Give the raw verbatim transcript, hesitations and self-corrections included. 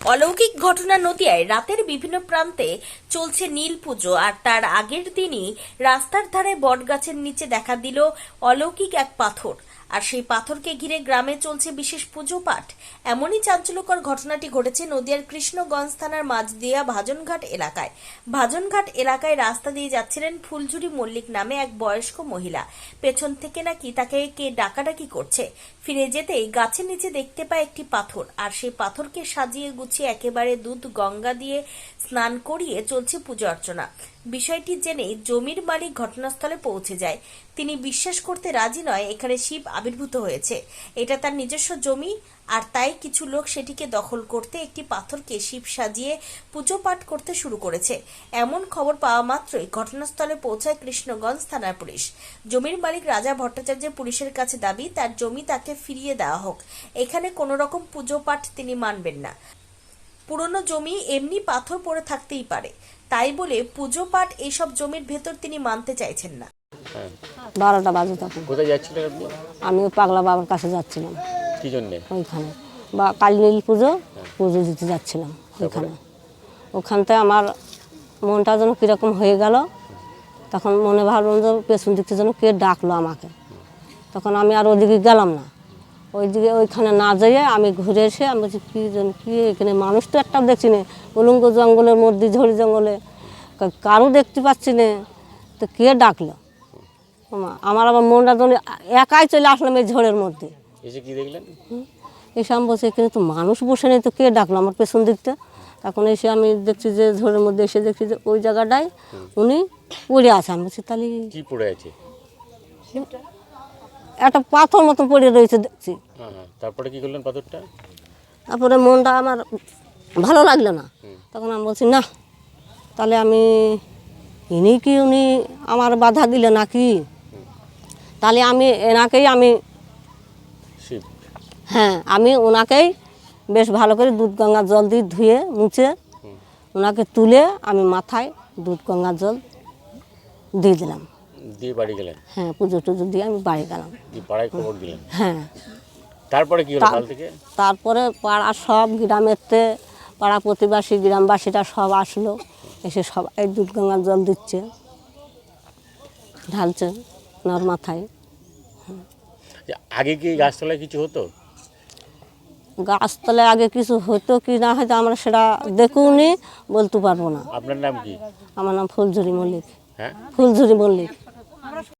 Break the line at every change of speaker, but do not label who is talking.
অলৌকিক ঘটনা নদিয়ায় রাতের বিভিন্ন প্রান্তে চলছে নীল পুজো আর তার আগের দিনই রাস্তার ধারে বটগাছের নিচে দেখা দিল অলৌকিক এক পাথর। আর সেই পাথরকে ঘিরে গ্রামে চলছে বিশেষ পুজো পাঠ। এমনই চাঞ্চল্যকর ঘটনাটি ঘটেছে নদিয়ার কৃষ্ণগঞ্জ থানার মাঝদিয়া ভাজনঘাট এলাকায়। ভাজনঘাট এলাকায় রাস্তা দিয়ে যাচ্ছিলেন ফুলঝুরি মল্লিক নামে এক বয়স্ক মহিলা। পেছন থেকে নাকি তাকে কে ডাকাডাকি করছে। ফিরে যেতেই গাছের নিচে দেখতে পায় একটি পাথর, আর সেই পাথরকে সাজিয়ে গুছিয়ে একেবারে দুধ গঙ্গা দিয়ে স্নান করিয়ে চলছে পুজো অর্চনা। বিষয়টি জেনেই জমির মালিক ঘটনাস্থলে পৌঁছে যায়। তিনি বিশ্বাস করতে রাজি নয় এখানে শিব আবির্ভূত হয়েছে, এটা তার নিজস্ব জমি, আর তাই কিছু লোক সেটিকে দখল করতে একটি পাথরকে শিব সাজিয়ে পুজো পাঠ করতে শুরু করেছে। এমন খবর পাওয়া মাত্রই ঘটনাস্থলে পৌঁছায় কৃষ্ণগঞ্জ থানার পুলিশ। জমির মালিক রাজা ভট্টাচার্যের পুলিশের কাছে দাবি তার জমি তাকে ফিরিয়ে দেওয়া হোক, এখানে কোনো রকম পুজো পাঠ তিনি মানবেন না। পুরনো জমি এমনি পাথর পড়ে থাকতেই পারে, তাই বলে পুজো পাঠ এইসব জমির ভেতর তিনি মানতে চাইছেন না।
বারোটা বাজে তখন।
কোথায় যাচ্ছিলেন আপনি?
আমি ওই পাগলা বাবার কাছে যাচ্ছিলাম।
কি জন্যে?
ওইখানে বা কালী নীল পুজো পুজো দিতে যাচ্ছিলাম ওইখানে। ওখানতে আমার মনটা যেন কীরকম হয়ে গেল। তখন মনে ভাবলাম যে পেছন দিক থেকে যেন কে ডাকলো আমাকে। তখন আমি আর ওইদিকে গেলাম না। ওইদিকে ওইখানে না যেয়ে আমি ঘুরে এসে আমি বলছি কী যেন কী এখানে মানুষ তো একটা দেখছি না, উলঙ্গ জঙ্গলের মধ্যে ঝড়ি জঙ্গলে কারো দেখতে পাচ্ছি না, তো কে ডাকলো। আমার আবার মনটা যেন একাই চলে আসলাম এই ঝড়ের মধ্যে।
এসে কি দেখলেন?
এসে আমি বলছি এখানে তো মানুষ বসে নেই, তো কে ডাকলো আমার পেছন দিকটা। তখন এসে আমি দেখছি যে ঝড়ের মধ্যে এসে দেখছি যে ওই জায়গাটায় উনি পড়ে আছে। আমি বলছি তাহলে
কি পড়ে আছে?
একটা পাথর মতন পড়ে রয়েছে দেখছি।
তারপরে কি করলেন পাথরটা?
তারপরে মনটা আমার ভালো লাগলো না। তখন আমি বলছি না, তাহলে আমি ইনি কি উনি আমার বাধা দিলে নাকি, তাহলে আমি এনাকেই আমি
শিব
হ্যাঁ আমি ওনাকেই বেশ ভালো করে দুধ গঙ্গার জল দিয়ে ধুয়ে মুছে ওনাকে তুলে আমি মাথায় দুধ গঙ্গার জল দিয়ে দিলাম।
দিয়ে বাড়ি গেলেন?
হ্যাঁ, পুজো টুজো দিয়ে আমি বাড়ি গেলাম।
পাড়ায় খবর দিলেন?
হ্যাঁ।
তারপরে কি হলো কাল থেকে?
তারপরে পাড়া সব গ্রামেরতে পাড়া প্রতিবাসী গ্রামবাসীরা সব আসলো, এসে সবাই দুধ গঙ্গার জল দিচ্ছে, ঢালছে ওনার মাথায়।
আগে কি গাছতলায় কিছু হতো?
গাছতলায় আগে কিছু হতো কি না হয়তো আমরা সেটা দেখুনি, বলতে পারবো না।
আপনার নাম কি?
আমার নাম ফুলঝুরি মল্লিক।
হ্যাঁ,
ফুলঝুরি মল্লিক।